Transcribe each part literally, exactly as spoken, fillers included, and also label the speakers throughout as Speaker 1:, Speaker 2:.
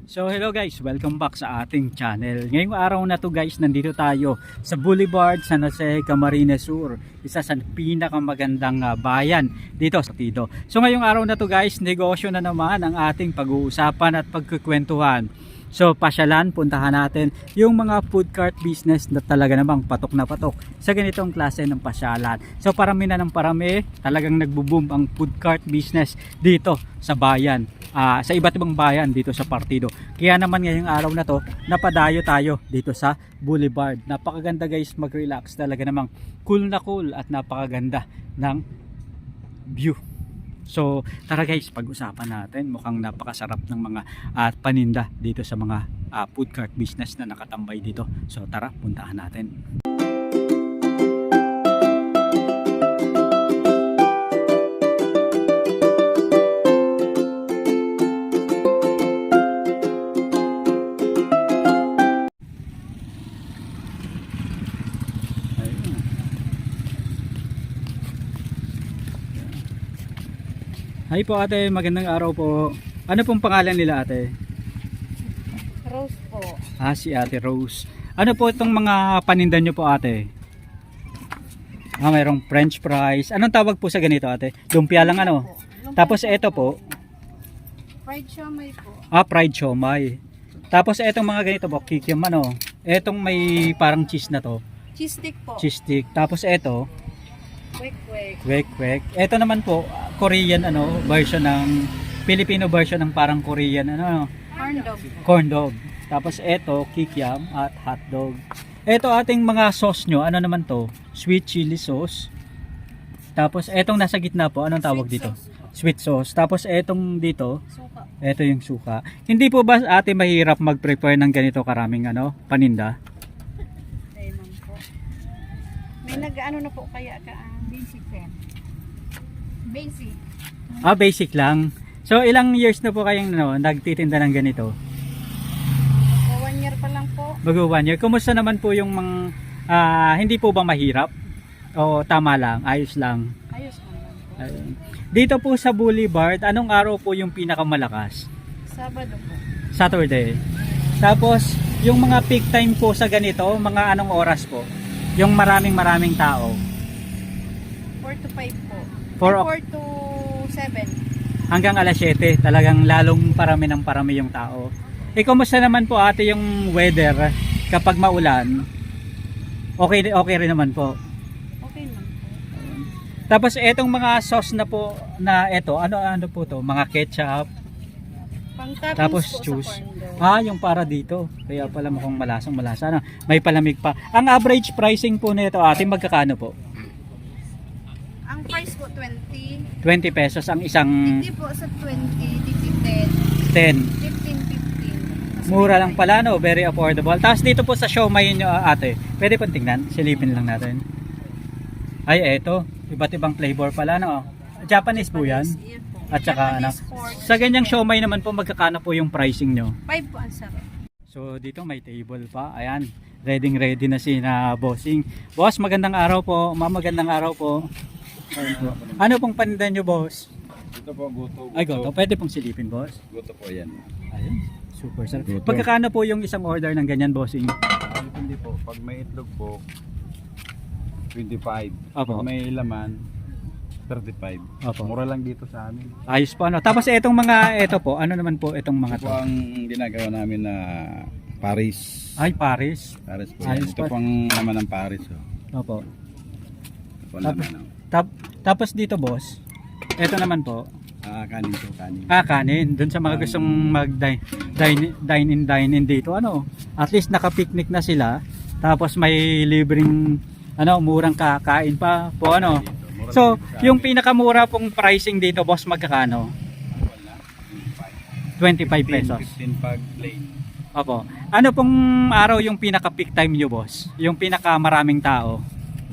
Speaker 1: So hello guys, welcome back sa ating channel. Ngayong araw na to guys, nandito tayo sa Boulevard San Jose, Camarines Sur, isa sa pinakamagandang uh, bayan dito sa Tido. So ngayong araw na to guys, negosyo na naman ang ating pag-uusapan at pagkukwentuhan. So pasyalan, puntahan natin yung mga food cart business na talaga namang patok na patok sa ganitong klase ng pasyalan. So parami na ng parami, talagang nagbo-boom ang food cart business dito sa bayan. Uh, sa iba't ibang bayan dito sa Partido. Kaya naman ngayong araw na to, napadayo tayo dito sa Boulevard. Napakaganda guys, mag-relax, talaga namang cool na cool at napakaganda ng view. So tara guys, pag-usapan natin. Mukhang napakasarap ng mga uh, paninda dito sa mga uh, food cart business na nakatambay dito. So tara, puntahan natin. Hi po ate, magandang araw po. Ano pong pangalan nila ate?
Speaker 2: Rose po.
Speaker 1: Ah, si ate Rose. Ano po itong mga paninda nyo po ate? Ah, mayroong french fries. Anong tawag po sa ganito ate? Lumpia lang ano?
Speaker 2: Lumpia
Speaker 1: Tapos
Speaker 2: po.
Speaker 1: ito po.
Speaker 2: Fried siomay po.
Speaker 1: Ah, fried siomay. Tapos itong mga ganito po, kikiam ano? Etong may parang cheese na to.
Speaker 2: Cheese stick po.
Speaker 1: Cheese stick. Tapos ito,
Speaker 2: Kwek kwek.
Speaker 1: kwek kwek. Ito naman po, Korean ano, version ng Filipino version ng parang Korean ano,
Speaker 2: Corn dog.
Speaker 1: corn dog. Tapos ito, kikiam at hot dog. Ito ating mga sauce nyo, ano naman to? Sweet chili sauce. Tapos etong nasa gitna po, anong tawag
Speaker 2: Sweet
Speaker 1: dito?
Speaker 2: sauce po.
Speaker 1: Sweet sauce. Tapos etong dito,
Speaker 2: Suka.
Speaker 1: ito yung suka. Hindi po ba ate mahirap mag-prepare ng ganito karaming ano, paninda?
Speaker 2: Lemon po. May nag-ano na po kaya ka ang basic pen. Basic.
Speaker 1: Ah, basic lang. So ilang years na po kayong ano, nagtitinda ng ganito?
Speaker 2: So, one year pa lang po.
Speaker 1: Bago one year. Kumusta naman po yung mga, ah, hindi po ba mahirap? O tama lang, ayos lang?
Speaker 2: Ayos naman po.
Speaker 1: Ayun. Dito po sa Boulevard, anong araw po yung pinakamalakas?
Speaker 2: Sabado po.
Speaker 1: Saturday. Tapos, yung mga peak time po sa ganito, mga anong oras po? Yung maraming maraming tao.
Speaker 2: four to five po.
Speaker 1: Four o-
Speaker 2: four to seven.
Speaker 1: Hanggang alas siyete, talagang lalong parami ng parami yung tao. Eh, kumusta naman po ate yung weather kapag maulan? Okay, okay rin naman po.
Speaker 2: Okay naman po.
Speaker 1: Tapos etong mga sauce na po na eto, ano ano po to? Mga ketchup,
Speaker 2: Pang toppings
Speaker 1: tapos
Speaker 2: po
Speaker 1: juice.
Speaker 2: sa corn dog.
Speaker 1: Ah, yung para dito. Kaya pala mukhang malasang malasa na. May palamig pa. Ang average pricing po nito ate magkakano po?
Speaker 2: Ang price po twenty.
Speaker 1: twenty pesos ang isang
Speaker 2: Hindi po sa twenty, dito ten.
Speaker 1: ten.
Speaker 2: fifteen, fifteen. Mas
Speaker 1: Mura
Speaker 2: may
Speaker 1: lang
Speaker 2: price.
Speaker 1: pala no, very affordable. Tapos dito po sa siomay nyo ate, pwede pong tingnan, silipin lang natin. Ay eto, iba't ibang flavor pala no. Japanese po yan.
Speaker 2: Yan po.
Speaker 1: At saka ano,
Speaker 2: Japanese pork.
Speaker 1: sa ganyang siomay naman po magkakano po yung pricing nyo?
Speaker 2: Five po ang sarap.
Speaker 1: So dito may table pa. Ayan, ready ready na si na bossing. Boss, magandang araw po. Ma'am, magandang araw po. Ayun po. Ano pong paninda nyo boss?
Speaker 3: Ito po, guto.
Speaker 1: Ay goto, pwede pong silipin boss.
Speaker 3: Guto po yan.
Speaker 1: Ayun, super sarap.
Speaker 3: Goto.
Speaker 1: Pagkakano po yung isang order ng ganyan bossing?
Speaker 3: Ah, Depende po. Pag may itlog po, twenty-five.
Speaker 1: Opo.
Speaker 3: Pag may laman, thirty-five.
Speaker 1: Opo.
Speaker 3: Mura lang dito sa amin.
Speaker 1: Ayos po ano. Tapos etong mga eto po, ano naman po itong mga
Speaker 3: Ito
Speaker 1: to?
Speaker 3: po ang ginagawa namin na Paris.
Speaker 1: Ay, Paris.
Speaker 3: Paris po.
Speaker 1: Ayos
Speaker 3: yan. Ito
Speaker 1: po.
Speaker 3: po ang laman ng Paris. Oh.
Speaker 1: Opo.
Speaker 3: Ito po ang
Speaker 1: Tapos,
Speaker 3: laman ng
Speaker 1: tap, tapos dito boss, eto naman po,
Speaker 3: ah, kanin po, kanin.
Speaker 1: ah kanin, dun sa mga gustong mag dine, dine, dine in dine in dito, ano, at least naka-picnic na sila, tapos may libreng, ano, murang kakain pa po, ano.
Speaker 3: Mura
Speaker 1: So,
Speaker 3: lang dito sa
Speaker 1: yung
Speaker 3: amin.
Speaker 1: pinakamura pong pricing dito boss, magkakano?
Speaker 3: Wala,
Speaker 1: twenty-five pesos.
Speaker 3: fifteen pag plain.
Speaker 1: Opo. Ano pong araw yung pinaka-peak time nyo boss? Yung pinaka-maraming tao?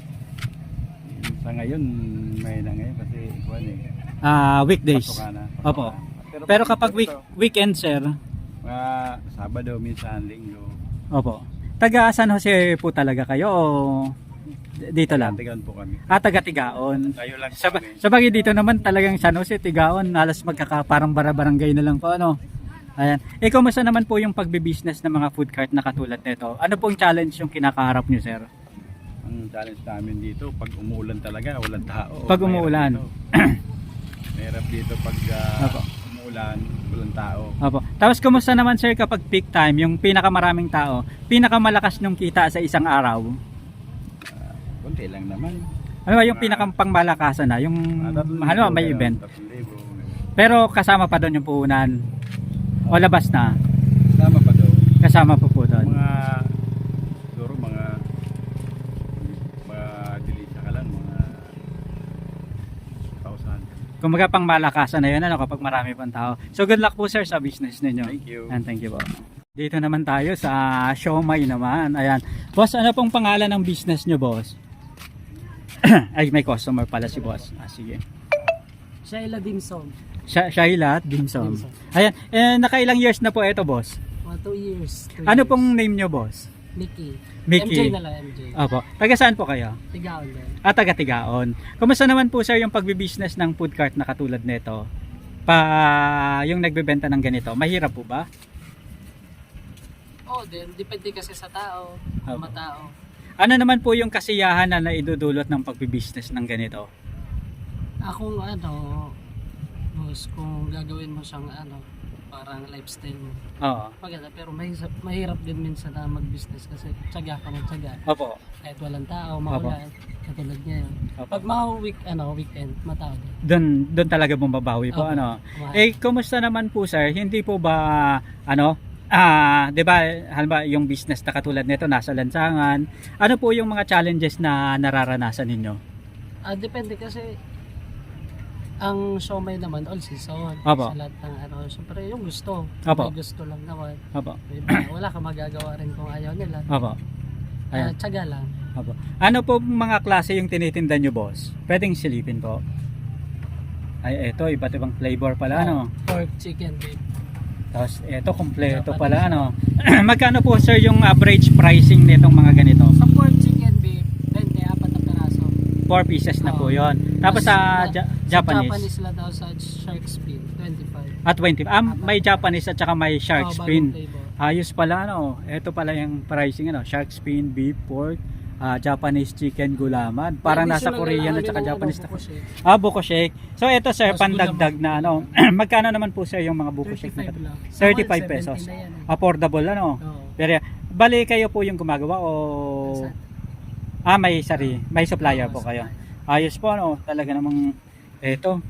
Speaker 3: Sa ngayon, may na ngayon kasi kuwan eh.
Speaker 1: Ah, weekdays.
Speaker 3: Pasok ka na.
Speaker 1: Opo. Pero kapag week,
Speaker 3: ito,
Speaker 1: weekend sir,
Speaker 3: mga Sabado, minsan Linggo.
Speaker 1: opo. Taga San Jose po talaga kayo o dito lang?
Speaker 3: Tigan po kami.
Speaker 1: Ah, taga Tigaon.
Speaker 3: Tayo lang
Speaker 1: Sa,
Speaker 3: kami.
Speaker 1: sa bagay dito naman talagang San Jose, Tigaon, halos magkaka parang bara-barangay na lang po ano. Ayan. Eh, kumusta naman po yung pagbe-business ng mga food cart na katulad nito? Ano pong challenge yung kinakaharap nyo, sir?
Speaker 3: Ang challenge namin dito, pag umuulan talaga, walang tao.
Speaker 1: Pag
Speaker 3: Mahirap
Speaker 1: umuulan.
Speaker 3: dito. Mahirap dito pag ah,
Speaker 1: Opo.
Speaker 3: umuulan, walang tao.
Speaker 1: Opo. Tapos kumusta naman, sir, kapag peak time, yung pinakamaraming tao, pinakamalakas nyong kita sa isang araw?
Speaker 3: Kunti lang naman.
Speaker 1: Ano ba yung pinakampangmalakasan na? Yung
Speaker 3: Ah, tatlong
Speaker 1: ano,
Speaker 3: libo,
Speaker 1: may
Speaker 3: ganun,
Speaker 1: event.
Speaker 3: tatlong libo.
Speaker 1: Pero kasama pa doon yung puhunan. O labas na?
Speaker 3: Tama pa daw.
Speaker 1: Kasama pa po doon.
Speaker 3: Mga, siguro mga, mga dilita ka lang, mga thousand.
Speaker 1: Kumbaga pang malakasan na yun ano, kapag marami pang tao. So good luck po, sir, sa business ninyo.
Speaker 3: Thank you.
Speaker 1: And thank you po. Dito naman tayo sa Siomai naman. Ayan. Boss, ano pong pangalan ng business nyo, boss? Ay, may customer pala si boss. Ah, sige.
Speaker 4: Shaila Dimsum.
Speaker 1: Sha Shaila Dimsum.
Speaker 4: Dimsum.
Speaker 1: Ayan. Eh, nakailang years na po ito, boss?
Speaker 4: Mga two years. two
Speaker 1: Ano
Speaker 4: years.
Speaker 1: pong name nyo, boss?
Speaker 4: Mickey.
Speaker 1: Mickey.
Speaker 4: M J na lang, M J.
Speaker 1: Opo. Taga saan po kayo?
Speaker 4: Tigaon din.
Speaker 1: At taga Tigaon. Kumusta naman po, sir, yung pagbibusiness ng food cart na katulad nito? Pa yung nagbebenta ng ganito, mahirap po ba?
Speaker 4: Oh, then, depende kasi sa tao.
Speaker 1: Opo.
Speaker 4: Mga tao.
Speaker 1: Ano naman po yung kasiyahan na naidudulot ng pagbibusiness ng ganito?
Speaker 4: Akong ano, boss, kung gagawin mo siyang ano, parang lifestyle mo.
Speaker 1: Oo.
Speaker 4: Maganda, pero mahirap, mahirap din minsan na mag-business kasi tsaga ka ng tsaga.
Speaker 1: Opo.
Speaker 4: Kahit walang tao, maulan, katulad ngayon.
Speaker 1: Opo.
Speaker 4: Pag mga week, ano, weekend, matao din.
Speaker 1: Doon doon talaga bumabawi po
Speaker 4: Opo.
Speaker 1: ano.
Speaker 4: Kumain.
Speaker 1: Eh kumusta naman po, sir? Hindi po ba ano ah, 'di ba, halimbawa yung business na katulad nito nasa lansangan, ano po yung mga challenges na nararanasan ninyo?
Speaker 4: Ah, depende kasi ang siomai naman all season.
Speaker 1: Opo.
Speaker 4: Sa lahat ng ano, syempre yung gusto.
Speaker 1: Opo.
Speaker 4: May gusto lang naman.
Speaker 1: Opo.
Speaker 4: May iba, wala kang magagawa rin kung ayaw nila.
Speaker 1: Opo.
Speaker 4: Ah,
Speaker 1: Ayan.
Speaker 4: tsaga lang.
Speaker 1: Opo. Ano po mga klase yung tinitinda nyo, boss? Pwedeng silipin po. Ay, eto, iba't ibang flavor pala, ano?
Speaker 4: Pork, chicken, beef.
Speaker 1: Tapos, eto, kompleto pala, ano? Magkano po, sir, yung average pricing nitong mga ganito?
Speaker 4: Sa pork, chicken, beef, twenty, apat na peraso.
Speaker 1: four pieces na po
Speaker 4: Oo.
Speaker 1: yon. Tapos sa
Speaker 4: Mas-
Speaker 1: Ja-
Speaker 4: sa
Speaker 1: Japanese,
Speaker 4: Japanese lang daw sa shark fin, twenty-five.
Speaker 1: at twenty. Ah, may Japanese at saka may shark
Speaker 4: Oh, bagong
Speaker 1: fin.
Speaker 4: flavor.
Speaker 1: Ayos pala, ano? Ito pala yung pricing, ano? Shark fin, beef, pork, ah, Japanese chicken, gulaman. Parang nasa
Speaker 4: Additional
Speaker 1: Korean
Speaker 4: lang
Speaker 1: at saka
Speaker 4: namin ng
Speaker 1: Japanese.
Speaker 4: ano, buko shake.
Speaker 1: Ah, buko shake. So ito, sir,
Speaker 4: Tapos
Speaker 1: pandagdag na ano. Magkano naman po, sir, yung mga buko shake na
Speaker 4: thirty-five
Speaker 1: to?
Speaker 4: lang.
Speaker 1: thirty-five
Speaker 4: Sa mall,
Speaker 1: pesos.
Speaker 4: seventy na yan, eh.
Speaker 1: Affordable, ano?
Speaker 4: Oo.
Speaker 1: Pero bali kayo po yung gumagawa o
Speaker 4: Sa-
Speaker 1: ah, may sari, may supplier
Speaker 4: Oo,
Speaker 1: po kayo.
Speaker 4: supplier.
Speaker 1: Ayos po, ano? Talaga namang eto.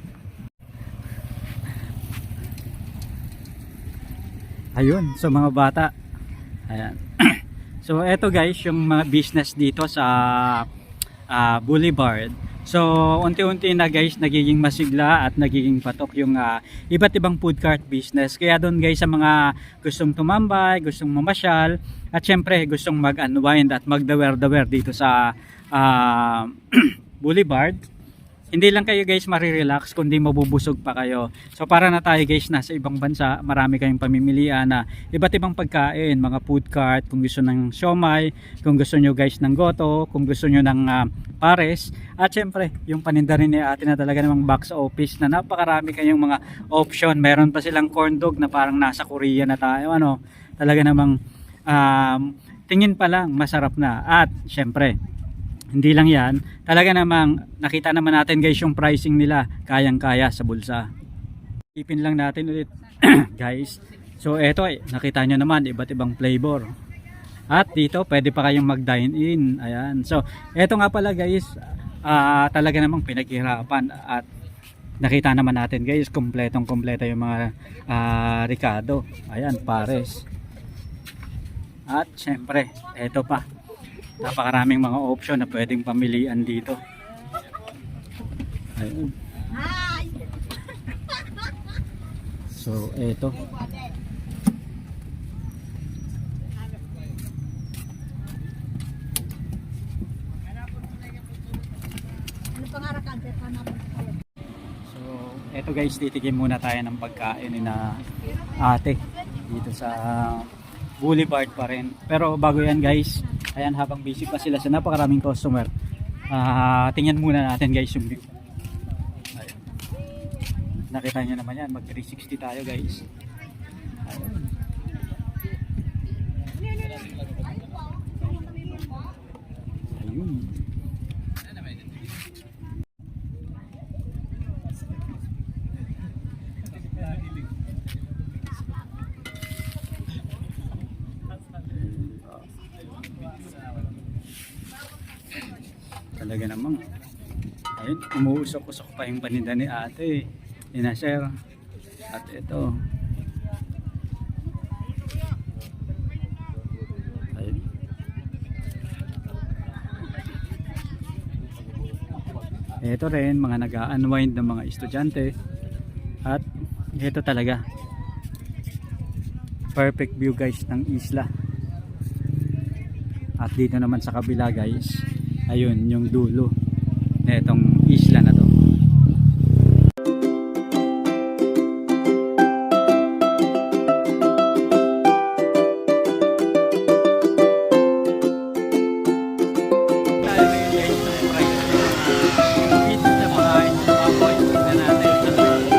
Speaker 1: Ayun, so mga bata. Ayan. So eto guys, yung mga business dito sa ah, Boulevard. So unti-unti na guys nagiging masigla at nagiging patok yung ah, iba't ibang food cart business. Kaya doon guys sa mga gustong tumambay, gustong mamasyal at syempre gustong mag-unwind at magdawer-dawer dito sa ah, Boulevard. Hindi lang kayo guys marirelax kundi mabubusog pa kayo. So para na tayo guys nasa ibang bansa, marami kayong pamimilian na iba't ibang pagkain, mga food cart, kung gusto ng siomai, kung gusto nyo guys ng goto, kung gusto nyo ng ah, pares, at syempre yung paninda rin ni ate na talaga namang box office na napakarami kayong mga option. Meron pa silang corn dog na parang nasa Korea na tayo, ano, talaga namang um, tingin pa lang masarap na. At syempre hindi lang yan, talaga namang nakita naman natin guys yung pricing nila, kayang kaya sa bulsa. Ipin lang natin ulit guys. So eto eh, nakita nyo naman iba't ibang flavor. At dito pwede pa kayong mag dine in. Ayan. So eto nga pala guys, ah, talaga namang pinaghirapan. At nakita naman natin guys, kompletong kompleto yung mga ah, Ricardo. Ayan, pares. At syempre eto pa, napakaraming mga option na pwedeng pamilian dito. Ayun. So, eto. So, eto guys, titigim muna tayo ng pagkain ni na ate dito sa Boulevard pa rin. Pero bago yan guys, ayan, habang busy pa sila sa napakaraming customer, ah tingnan muna natin guys yung view. Ayun. Nakita nyo naman yan, mag three sixty tayo guys. Ayun. Talaga namang ayun, umuusok-usok pa yung paninda ni ate. Ina sir. At ito. Ayun. Ito rin mga nag-unwind ng mga estudyante. At ito talaga. Perfect view guys ng isla. At dito naman sa kabila guys, ayun yung dulo na itong isla na to. Tayo ngayon guys sa